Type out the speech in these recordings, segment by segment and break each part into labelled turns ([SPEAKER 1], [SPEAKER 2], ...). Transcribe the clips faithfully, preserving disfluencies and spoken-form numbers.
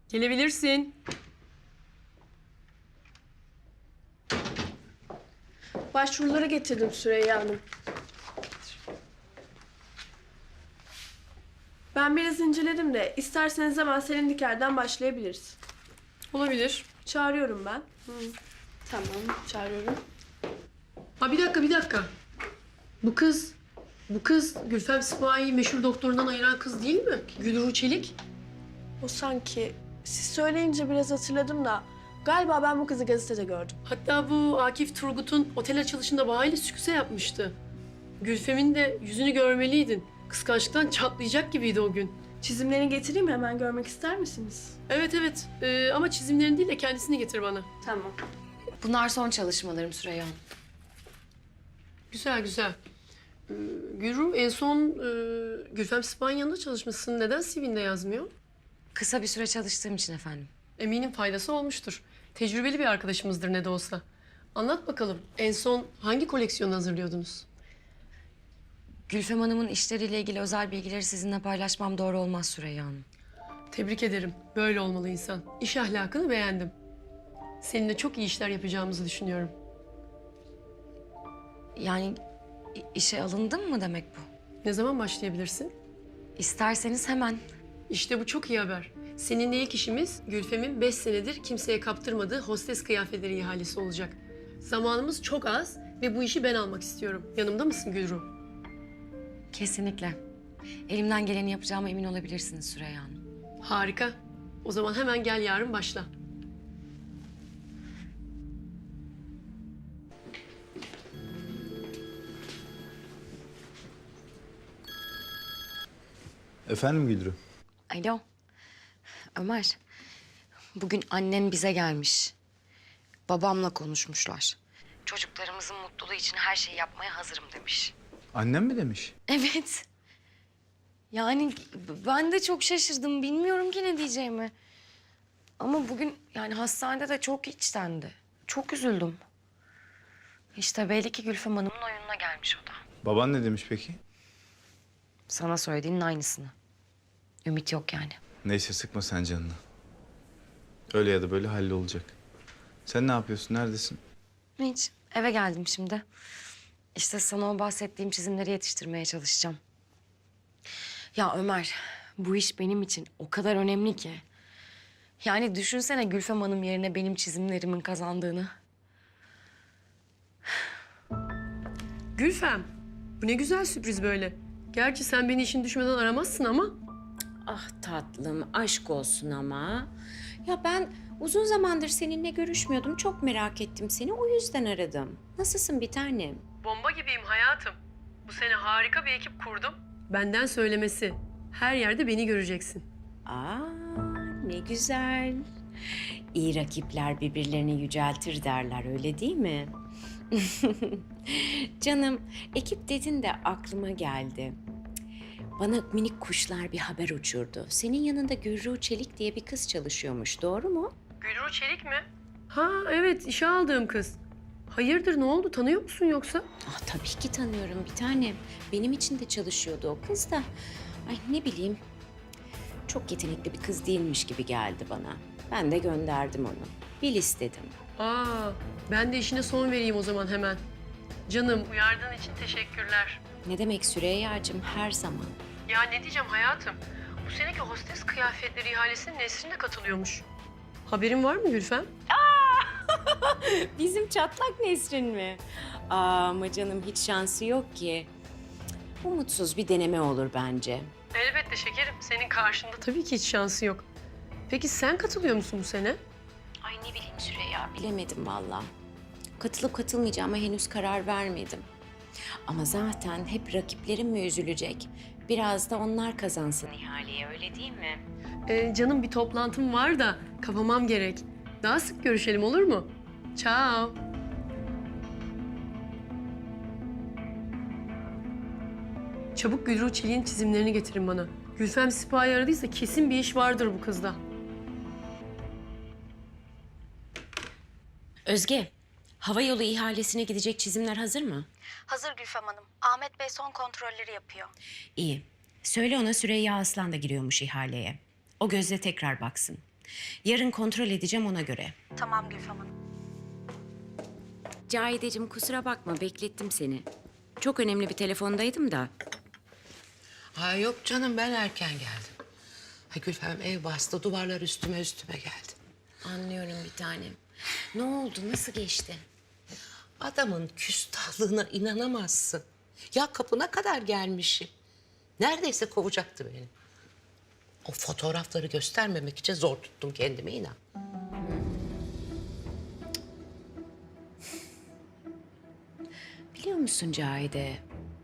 [SPEAKER 1] Gelebilirsin.
[SPEAKER 2] Başvuruları getirdim Süreyya Hanım. Ben biraz inceledim de isterseniz hemen Selin Diker'den başlayabiliriz.
[SPEAKER 1] Olabilir.
[SPEAKER 2] Çağırıyorum ben. Hı. Tamam, çağırıyorum.
[SPEAKER 1] Ha bir dakika, bir dakika. Bu kız, bu kız Gülfem Sipahi'yi meşhur doktorundan ayıran kız değil mi? Gülru Çelik.
[SPEAKER 2] O sanki siz söyleyince biraz hatırladım da galiba ben bu kızı gazetede gördüm.
[SPEAKER 1] Hatta bu Akif Turgut'un otel açılışında bahayla sükse yapmıştı. Gülfem'in de yüzünü görmeliydin. Kıskançlıktan çatlayacak gibiydi o gün.
[SPEAKER 2] Çizimlerini getireyim hemen görmek ister misiniz?
[SPEAKER 1] Evet evet ee, ama çizimlerini değil de kendisini getir bana.
[SPEAKER 2] Tamam.
[SPEAKER 3] Bunlar son çalışmalarım Süreyya Hanım.
[SPEAKER 1] Güzel güzel. Ee, Gülru en son e, Gülfem Sipahi'nin yanında çalışmışsın. Neden C V'nde yazmıyor?
[SPEAKER 3] Kısa bir süre çalıştığım için efendim.
[SPEAKER 1] Eminim faydası olmuştur. Tecrübeli bir arkadaşımızdır ne de olsa. Anlat bakalım en son hangi koleksiyonu hazırlıyordunuz?
[SPEAKER 3] Gülfem Hanım'ın işleriyle ilgili özel bilgileri sizinle paylaşmam doğru olmaz Süreyya Hanım.
[SPEAKER 1] Tebrik ederim. Böyle olmalı insan. İş ahlakını beğendim. Seninle çok iyi işler yapacağımızı düşünüyorum.
[SPEAKER 3] Yani i- işe alındım mı demek bu?
[SPEAKER 1] Ne zaman başlayabilirsin?
[SPEAKER 3] İsterseniz hemen.
[SPEAKER 1] İşte bu çok iyi haber. Seninle ilk işimiz Gülfem'in beş senedir kimseye kaptırmadığı hostes kıyafetleri ihalesi olacak. Zamanımız çok az ve bu işi ben almak istiyorum. Yanımda mısın Gülru?
[SPEAKER 3] Kesinlikle. Elimden geleni yapacağıma emin olabilirsiniz Süreyya Hanım.
[SPEAKER 1] Harika. O zaman hemen gel yarın başla.
[SPEAKER 4] Efendim Güldürü?
[SPEAKER 3] Alo. Ömer. Bugün annen bize gelmiş. Babamla konuşmuşlar. Çocuklarımızın mutluluğu için her şeyi yapmaya hazırım demiş.
[SPEAKER 4] Annem mi demiş?
[SPEAKER 3] Evet. Yani ben de çok şaşırdım. Bilmiyorum ki ne diyeceğimi. Ama bugün yani hastanede de çok içtendi. Çok üzüldüm. İşte belli ki Gülfem Hanım'ın oyununa gelmiş o da.
[SPEAKER 4] Baban ne demiş peki?
[SPEAKER 3] Sana söylediğinin aynısını. Ümit yok yani.
[SPEAKER 4] Neyse sıkma sen canını. Öyle ya da böyle hallolacak. Sen ne yapıyorsun? Neredesin?
[SPEAKER 3] Hiç. Eve geldim şimdi. İşte sana o bahsettiğim çizimleri yetiştirmeye çalışacağım. Ya Ömer, bu iş benim için o kadar önemli ki. Yani düşünsene Gülfem Hanım yerine benim çizimlerimin kazandığını.
[SPEAKER 1] Gülfem, bu ne güzel sürpriz böyle. Gerçi sen beni işin düşmeden aramazsın ama...
[SPEAKER 5] Ah tatlım, aşk olsun ama. Ya ben uzun zamandır seninle görüşmüyordum. Çok merak ettim seni, o yüzden aradım. Nasılsın bir tanem?
[SPEAKER 1] Bomba gibiyim hayatım. Bu sene harika bir ekip kurdum. Benden söylemesi. Her yerde beni göreceksin.
[SPEAKER 5] Aa, ne güzel. İyi rakipler birbirlerini yüceltir derler, öyle değil mi? Canım, ekip dedin de aklıma geldi. Bana minik kuşlar bir haber uçurdu. Senin yanında Gürru Çelik diye bir kız çalışıyormuş, doğru mu?
[SPEAKER 1] Gülru Çelik mi? Ha evet, işe aldığım kız. Hayırdır, ne oldu? Tanıyor musun yoksa?
[SPEAKER 5] Ah, tabii ki tanıyorum bir tanem. Benim için de çalışıyordu o kız da. Ay ne bileyim, çok yetenekli bir kız değilmiş gibi geldi bana. Ben de gönderdim onu. Bil istedim.
[SPEAKER 1] Aa, ben de işine son vereyim o zaman hemen. Canım, uyardığın için teşekkürler.
[SPEAKER 5] Ne demek Süreyya'cığım, her zaman.
[SPEAKER 1] Ya ne diyeceğim hayatım? Bu seneki hostes kıyafetleri ihalesinin Nesrin de katılıyormuş. Haberin var mı Gülfem?
[SPEAKER 5] Bizim çatlak Nesrin mi? Aa, ama canım hiç şansı yok ki. Umutsuz bir deneme olur bence.
[SPEAKER 1] Elbette şekerim. Senin karşında tabii ki hiç şansı yok. Peki sen katılıyor musun bu sene?
[SPEAKER 5] Ay ne bileyim Süreyya, bilemedim valla. Katılıp katılmayacağıma henüz karar vermedim. Ama zaten hep rakiplerim mi üzülecek? Biraz da onlar kazansın ihaleye, öyle değil mi?
[SPEAKER 1] Ee, canım bir toplantım var da kapamam gerek. Daha sık görüşelim olur mu? Ciao. Çabuk Gülru Çelik'in çizimlerini getirin bana. Gülfem Sipahi aradıysa kesin bir iş vardır bu kızda.
[SPEAKER 5] Özge, havayolu ihalesine gidecek çizimler hazır mı?
[SPEAKER 6] Hazır Gülfem Hanım. Ahmet Bey son kontrolleri yapıyor.
[SPEAKER 5] İyi. Söyle ona Süreyya Aslan da giriyormuş ihaleye. O gözle tekrar baksın. Yarın kontrol edeceğim ona göre.
[SPEAKER 6] Tamam Gülfem Hanım.
[SPEAKER 5] Cahideciğim kusura bakma beklettim seni. Çok önemli bir telefondaydım da.
[SPEAKER 7] Ha yok canım ben erken geldim. Ha Gülfem ev bastı duvarlar üstüme üstüme geldi.
[SPEAKER 5] Anlıyorum bir tanem. Ne oldu? Nasıl geçti?
[SPEAKER 7] Adamın küstahlığına inanamazsın. Ya kapına kadar gelmişim. Neredeyse kovacaktı beni. O fotoğrafları göstermemek için zor tuttum kendimi inan.
[SPEAKER 5] Biliyor musun Cahide?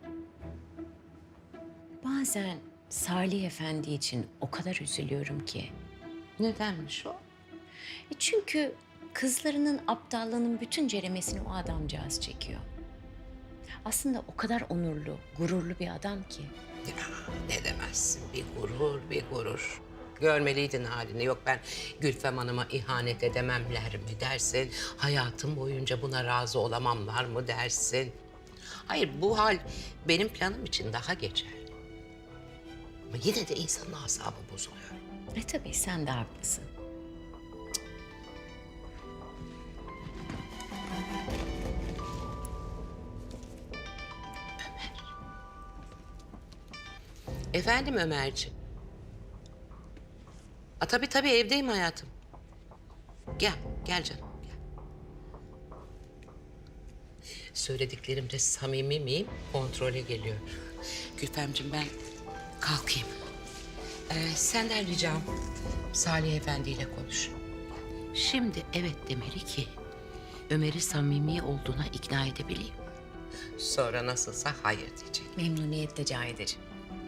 [SPEAKER 5] Bazen Salih Efendi için o kadar üzülüyorum ki.
[SPEAKER 7] Nedenmiş o?
[SPEAKER 5] E çünkü kızlarının aptallığının bütün ceremesini o adamcağız çekiyor. Aslında o kadar onurlu, gururlu bir adam ki.
[SPEAKER 7] Ya, ne demezsin bir gurur bir gurur. Görmeliydin halini. Yok ben Gülfem Hanım'a ihanet edememler mi dersin? Hayatım boyunca buna razı olamamlar mı dersin? Hayır bu hal benim planım için daha geçerli. Ama yine de insanın asabı bozuluyor.
[SPEAKER 5] E tabii sen de haklısın.
[SPEAKER 7] Efendim Ömerciğim. A, tabii tabii evdeyim hayatım. Gel, gel canım gel. Söylediklerimde samimi miyim? Kontrole geliyor. Gülfemciğim ben kalkayım. Ee, senden ricam Salih Efendi ile konuş. Şimdi evet demeli ki Ömer'i samimi olduğuna ikna edebileyim. Sonra nasılsa hayır diyecek.
[SPEAKER 5] Memnuniyetle Cahideciğim.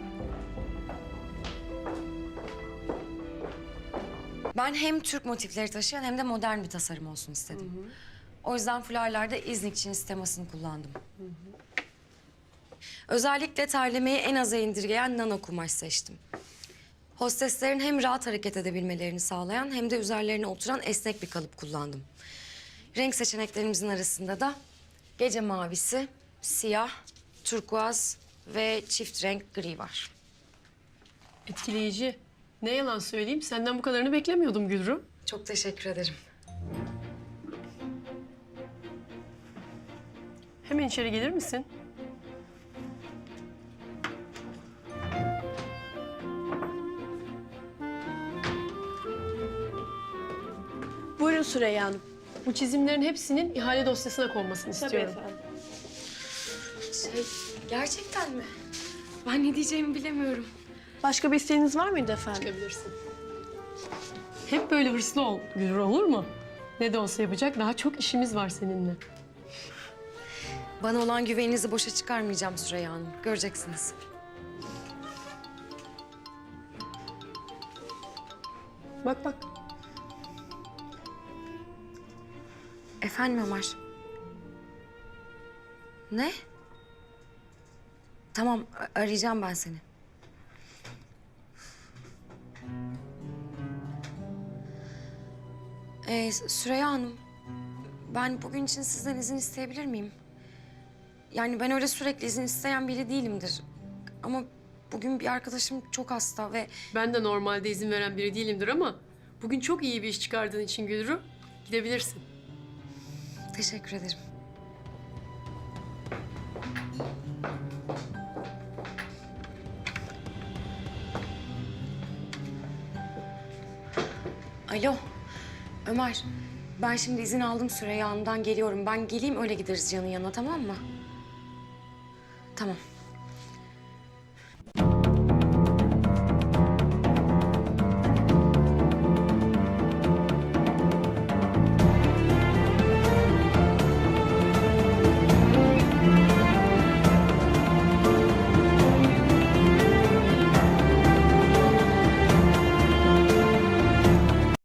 [SPEAKER 3] Ben hem Türk motifleri taşıyan hem de modern bir tasarım olsun istedim. O yüzden fularlarda İznik Çiniz temasını kullandım. Özellikle terlemeyi en aza indirgeyen nano kumaş seçtim. Hosteslerin hem rahat hareket edebilmelerini sağlayan hem de üzerlerine oturan esnek bir kalıp kullandım. Renk seçeneklerimizin arasında da gece mavisi, siyah, turkuaz ve çift renk gri var.
[SPEAKER 1] Etkileyici. Ne yalan söyleyeyim, senden bu kadarını beklemiyordum Gülru.
[SPEAKER 3] Çok teşekkür ederim.
[SPEAKER 1] Hemen içeri gelir misin?
[SPEAKER 2] Buyurun Süreyya Hanım.
[SPEAKER 1] Bu çizimlerin hepsinin ihale dosyasına konmasını
[SPEAKER 2] Tabii
[SPEAKER 1] istiyorum.
[SPEAKER 2] efendim.
[SPEAKER 3] Şey, gerçekten mi? Ben ne diyeceğimi bilemiyorum.
[SPEAKER 2] Başka bir isteğiniz var mıydı efendim?
[SPEAKER 1] Çıkabilirsin. Hep böyle hırslı ol Gülru, olur mu? Ne de olsa yapacak daha çok işimiz var seninle.
[SPEAKER 3] Bana olan güveninizi boşa çıkarmayacağım Süreyya Hanım. Göreceksiniz.
[SPEAKER 1] Bak bak.
[SPEAKER 3] Efendim Ömer? Ne? Tamam, a- arayacağım ben seni. Ee, Süreyya Hanım, ben bugün için sizden izin isteyebilir miyim? Yani ben öyle sürekli izin isteyen biri değilimdir. Ama bugün bir arkadaşım çok hasta ve
[SPEAKER 1] Ben de normalde izin veren biri değilimdir ama bugün çok iyi bir iş çıkardığın için Gülru, gidebilirsin.
[SPEAKER 3] teşekkür ederim. Alo, Ömer. Ben şimdi izin aldım Süreyya Hanım'dan geliyorum. Ben geleyim öyle gideriz Can'ın yanına, tamam mı? Tamam.